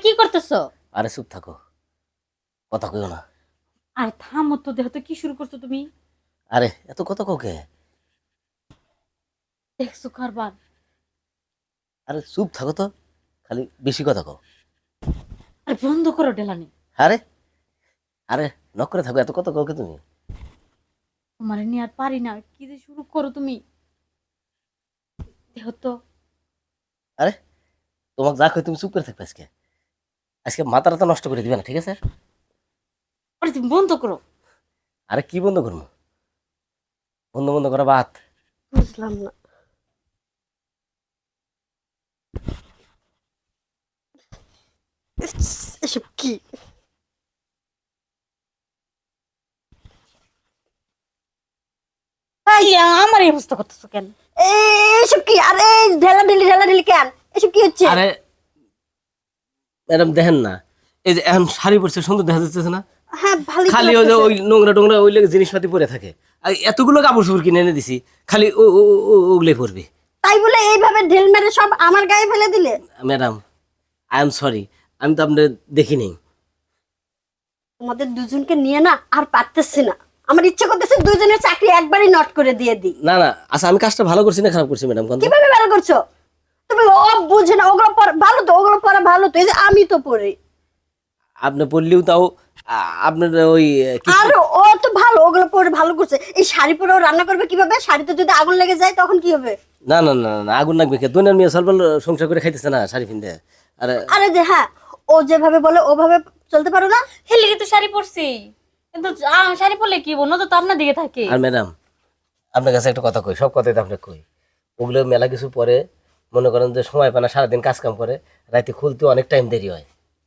কি করতেছো? আরে চুপ থাকো, কথা কইও না। আর থামো তো, দেখো তো কি শুরু করছো তুমি। আরে এত কথা কাউকে। দেখছো কারবার। আরে চুপ থাকো তো, খালি বেশি কথা কও। আর বন্ধ করো ডেলানি। আরে আরে নক করে থাকো, এত কথা কাউকে তুমি। তোমার নিয়ে আর পারি না, কি যে শুরু করো তুমি। দেখো তো। আরে তোমাকে যা কই তুমি চুপ করে থাকবে আজকে। আজকে মাথাটা নষ্ট করে দিবে না, ঠিক আছে? আরে তুমি বন্ধ করো। আরে কি বন্ধ করবো? বন্ধ বন্ধ করা বাদ। বুঝলাম না। এসব কি? আমার এই অবস্থা করতেছো কেন? এসব কি? আরে ঢেলা ঢিলি কেন? এসব কি হচ্ছে? আরে ম্যাডাম দেখেন না, এই যে এখন শাড়ি পরছে সুন্দর দেখা যাচ্ছে না? হ্যাঁ ভালোই তো খালি ওই যে লাগতেছে। ওই নোংরা টোংরা ওই লেগে জিনিসপাতি পরে থাকে। আর এতগুলো কাপড় চোপড় কিনে এনে দিছি, খালি ওগুলোই পরবে। তাই বলে এইভাবে ঢেল মেরে সব আমার গায়ে ফেলে দিলে? ম্যাডাম আই এম সরি, আমি তো আপনার দেখিনি। তোমাদের দুজনকে নিয়ে না আর পারতেছি না। আমার ইচ্ছে করতেছে দুজনের চাকরি একবারই নট করে দিয়ে দিই। না না, আচ্ছা আমি কাজটা ভালো করছি না খারাপ করছি ম্যাডাম? কোন কিভাবে ভালো করছো তুমি? ও বুঝে না, ওগুলো পড়া ভালো তো, ওগুলো পড়া ভালো তো। এই যে আমি তো পড়ি। আপনি পড়লেও তাও আপনার ওই আর ও তো ভালো, ওগুলো পরে ভালো করছে। এই শাড়ি পরে ও রান্না করবে কিভাবে? শাড়িতে যদি আগুন লেগে যায় তখন কি হবে? না না না না, আগুন লাগবে কে? দুনিয়ার মেয়ে সলবল সংসার করে খাইতেছে না শাড়ি পিনতে। আরে আরে যে হ্যাঁ, ও যেভাবে বলে ওভাবে চলতে পারো না? হেলে কিন্তু শাড়ি পরছি, কিন্তু শাড়ি পরলে কি বলো তো আপনার দিকে থাকে। আর ম্যাডাম আপনার কাছে একটা কথা কই, সব কথাই তো আপনাকে কই। ওগুলো মেলা কিছু পরে মনে করেন যে সময় পায় না, সারাদিন কাজ কাম করে, রাতে খুলতে অনেক টাইম দেরি হয়।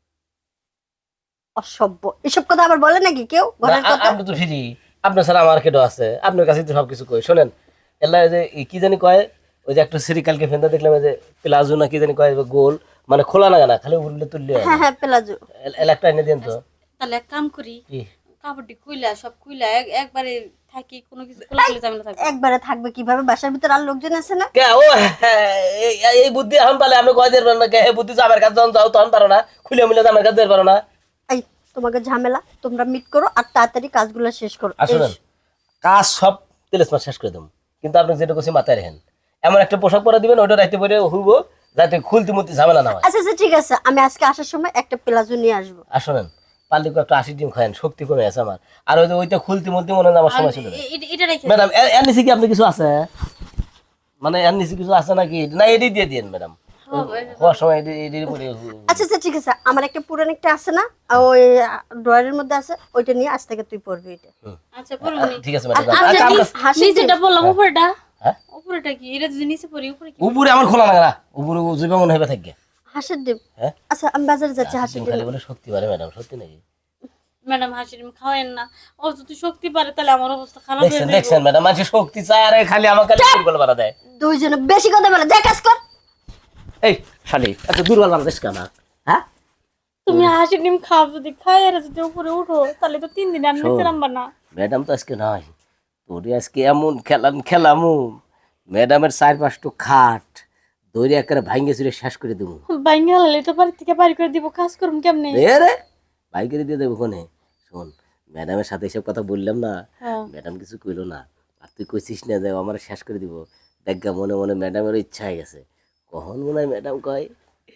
অসভ্য, এসব কথা আবার বলে নাকি কেউ ঘরের না, কথা? আপনি তো ফ্রি, আপনার ছাড়া আমার কেডো আছে? আপনার কাছে তো সবকিছু কই। শোনেন, এলা যে কি জানি কয়, ওই যে একটা সিরিকালকে ফেন্দা দেখলাম, যে প্লাজো না কি জানি কয়, গোল মানে খোলা না না, খালি উড়লে তুললে হয় হ্যাঁ না। হ্যাঁ, প্লাজো। এলা একটা এনে দেন তো। তাহলে এক কাম করি, কি? কাপড়টি খুইলা সব খুইলা একবারে থাকি, কোনো কিছু খোলা খুলে ঝামেলা থাকবে। একবারে থাকবে কিভাবে? বাসার ভিতর আর লোকজন আছে না? কে ও হ্যাঁ, এই বুদ্ধি এখন পালে আপনি কয় দেবেন না? কে এই বুদ্ধি আমার কাছে যখন যাও তখন পারো না, খুলে মিলে আমার কাছে দিতে পারো না। এই তোমাকে ঝামেলা, তোমরা মিট করো আর তাড়াতাড়ি কাজগুলো শেষ করো। আসলেন কাজ সব তেলেসমাস শেষ করে দেবো, কিন্তু আপনি যেটা করছি মাথায় রাখেন, এমন একটা পোশাক পরা দিবেন ওইটা রাইতে পরে হইব, যাতে খুলতে মুলতে ঝামেলা না হয়। আচ্ছা আচ্ছা ঠিক আছে, আমি আজকে আসার সময় একটা প্লাজো নিয়ে আসবো। আসলেন পারলে একটা 80 ডিম খায়েন, শক্তি কমে আছে আমার। আর ওই যে ওইটা খুলতে মুলতে মনে হয় আমার সময় ছিল। এটা রেখে ম্যাডাম এর নিচে কি আপনি কিছু আছে? মানে এর নিচে কিছু আছে নাকি? না এটাই দিয়ে দিন ম্যাডাম, হওয়ার সময় এটাই পরে। আচ্ছা আচ্ছা ঠিক আছে, আমার একটা পুরান একটা আছে না, ওই ড্রয়ারের মধ্যে আছে, ওইটা নিয়ে আজ থেকে তুই পরবি এটা। আচ্ছা পরবনি। ঠিক আছে ম্যাডাম। আচ্ছা হাসি নিচেটা বললাম, উপরেটা হ্যাঁ উপরেটা কি? এটা যদি নিচে পড়ি উপরে কি? উপরে আমার খোলা লাগা না, উপরে জীবন মনে হবে থাকবে। হাসির ডিম। হ্যাঁ আচ্ছা আমি বাজারে যাচ্ছি, হাসির ডিম। খালি বলে শক্তি পারে ম্যাডাম, সত্যি নাকি? ম্যাডাম হাসির ডিম খাওয়েন না, ও যদি শক্তি পারে তাহলে আমার অবস্থা খারাপ হয়ে দেখছেন যাবে। দেখছেন ম্যাডাম, মানুষের শক্তি চায় আর খালি আমার খালি দুর্বল বানা দেয়। দুইজনে বেশি কথা বলে, যা কাজ কর। এই শালি এত দুর্বল বানা দেশ কেন? হ্যাঁ তুমি হাসির ডিম খাও, যদি খাই আর যদি উপরে উঠো তাহলে তো 3 দিন আর নিচে নামবা না। ম্যাডাম তো আজকে নাই, তোরে আজকে এমন খেলামু, ম্যাডামের 4-5টা খাট দৌড়ে একেবারে ভাঙ্গে চুরে শেষ করে দেবো। বাইঙ্গা হলে তো বাড়ি থেকে বাড়ি করে দিব, কাজ করুন কেমনে? রে ভাই করে দিয়ে দেবো কোনে? শোন, ম্যাডামের সাথে এসব কথা বললাম না, হ্যাঁ। ম্যাডাম কিছু কইলো না, আর তুই কইছিস না যে আমার শেষ করে দিব। দেখা মনে মনে ম্যাডামের ইচ্ছা হয়ে গেছে, কখন মনে হয় ম্যাডাম কয়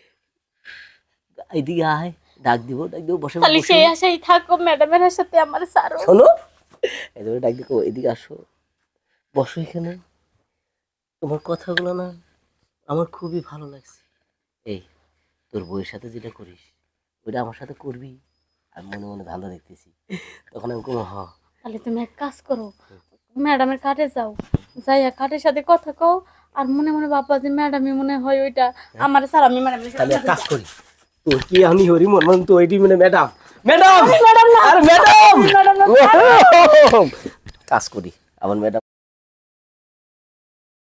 এইদিকে আয়, ডাক দিব বসে তাহলে সেই আশাই থাকো, ম্যাডামের সাথে আমার সারো। শোনো, এদিকে ডাক দিব, এদিকে আসো, বসো এখানে। তোমার কথাগুলো না আমার খুবই ভালো লাগছে। এই তোর বউয়ের সাথে যেটা করিস ওইটা আমার সাথে করবি। আমি মনে মনে ধান্দা দেখতেছি, তখন আমি কোনো তাহলে তুমি এক কাজ করো, ম্যাডামের কাটে যাও, যাইয়া কাটের সাথে কথা কও, আর মনে মনে বাবা যে ম্যাডামই মনে হয় ওইটা আমার স্যার, আমি ম্যাডামের তাহলে এক সাথে কাজ করি, তোর কি আমি হরি মন তো ওইটি মানে ম্যাডাম ম্যাডাম না, আর ম্যাডাম ম্যাডাম না, কাজ করি আমার ম্যাডাম